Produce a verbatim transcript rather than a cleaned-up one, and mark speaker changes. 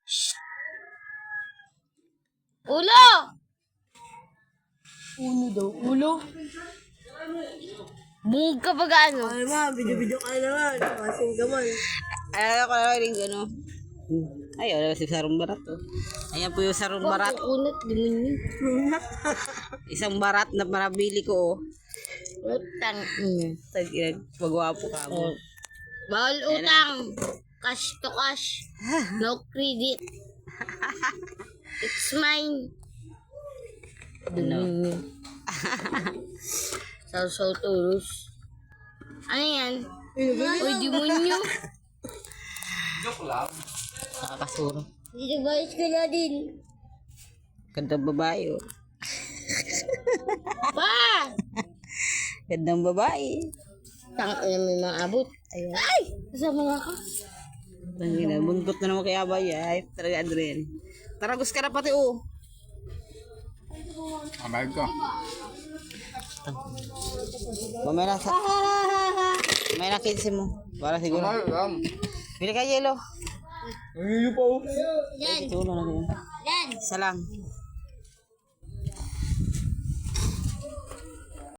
Speaker 1: Ulo!
Speaker 2: Uno daw. Ulo?
Speaker 1: Bungog ka ba gaano?
Speaker 2: Ay ma, video-video ka naman. Masing gaman.
Speaker 3: Alala ko na rin ano. Ay, wala si sarong barat to. Ayan po yung sarong barat.
Speaker 1: Unat, demonyo.
Speaker 3: Isang barat na marabili ko. Oh.
Speaker 1: Utang.
Speaker 3: Mm. Tag-inag, magwapo ka mo.
Speaker 1: Bawal utang. Cash to cash. No credit. It's mine.
Speaker 3: Ano?
Speaker 1: Sausaw tulos. Ano yan? Uy, demonyo.
Speaker 3: Nakakasuro.
Speaker 1: Dito ba ka na din?
Speaker 3: Gandang babae oh.
Speaker 1: Pa!
Speaker 3: Gandang babae.
Speaker 1: Tang na may mga abot. Ayun. Ay! Kasama nga ka.
Speaker 3: Tangina, buntot na naman kaya ba ay talaga Adrian. Taragos ka na pati oh.
Speaker 4: Abay ko.
Speaker 3: Mamaya na sa... Mamaya na kinsi mo. Para siguro.
Speaker 4: Ay, um.
Speaker 3: Bili ka yelo.
Speaker 4: Ay, pa oh.
Speaker 1: Yan.
Speaker 3: Ito na lang yun.
Speaker 1: Yan.
Speaker 3: Isa lang.